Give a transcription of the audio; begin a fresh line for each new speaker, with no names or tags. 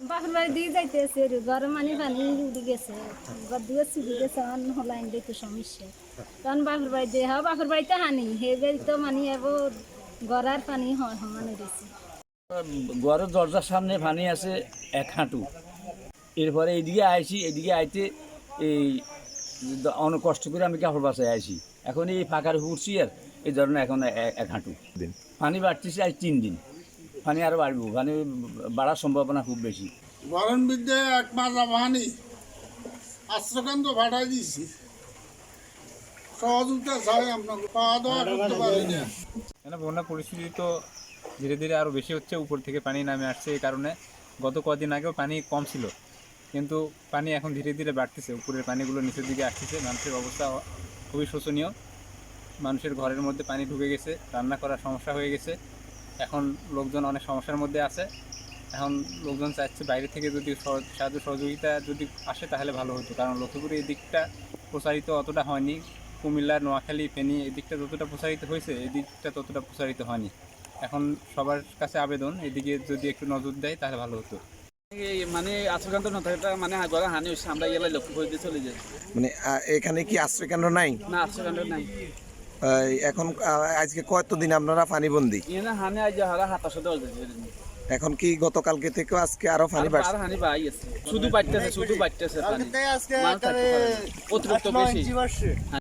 বাপের বাড়ি দিয়ে যাইতেছে ঘরে মানে পানি উড়ে গেছে ঘর দিয়ে চুরি গেছে হলাইন দেখতে সমস্যা কারণ বাপের বাড়ি দিয়ে বাপের বাড়িতে হানি হে বাড়ি তো মানে এবার গড়ার পানি হয় সমানে দিয়েছে
ঘরের দরজার সামনে পানি আছে 1 হাঁটু। এরপরে এইদিকে আইছি, এদিকে আইতে এই অনেক কষ্ট করে আমি কাপড় বাসায় আইছি। এখন এই ফাঁকার উঠছি আর এই ধরনের এখন 1 হাঁটু পানি বাড়তেছে আজ 3 দিন। পানি আরও বাড়বো, পানি বাড়ার সম্ভাবনা খুব বেশি।
গরম বিদ্যে 1 মাস পানি আশ্রকান্ত ভাড়াই দিয়েছি, সহযোগিতা চাই আপনাকে, পাওয়া দাওয়া করতে পারি না।
বন্যা পরিস্থিতি তো ধীরে ধীরে আরও বেশি হচ্ছে, উপর থেকে পানি নামে আসছে। এই কারণে গত কদিন আগেও পানি কম ছিল, কিন্তু পানি এখন ধীরে ধীরে বাড়তেছে, উপরের পানিগুলো নিচের দিকে আসতেছে। মানুষের অবস্থা খুবই শোচনীয়। মানুষের ঘরের মধ্যে পানি ঢুকে গেছে, রান্না করার সমস্যা হয়ে গেছে। এখন লোকজন অনেক সমস্যার মধ্যে আছে। এখন লোকজন চাইছে বাইরে থেকে যদি সাহায্য সহযোগিতা যদি আসে তাহলে ভালো হতো, কারণ লক্ষ্মীপুরে এই দিকটা প্রসারিত অতটা হয়নি। কুমিল্লা, নোয়াখালী, ফেনী এই দিকটা যতটা প্রসারিত হয়েছে এই দিকটা ততটা প্রসারিত হয়নি। এখন সবার কাছে আবেদন এদিকে যদি একটু নজর দেয় তাহলে ভালো হতো।
মানে আশ্রয়কেন্দ্র না থাকাটা মানে ঘরে হানি হচ্ছে, আমরা এলাকায় লক্ষ্য করে দিয়ে চলে যাই।
মানে এখানে কি আশ্রয়কেন্দ্র নাই?
না, আশ্রয়কেন্দ্র নাই।
এখন আজকে কতদিন আপনারা পানিবন্দী?
এখানে হানি আজ হারা 27
এখন কি গতকালকে থেকে আজকে আরো পানি বাড়ছে?
হানি বাড়ি আছে, শুধু বাড়তেছে পানি, অতিরিক্ত বেশি।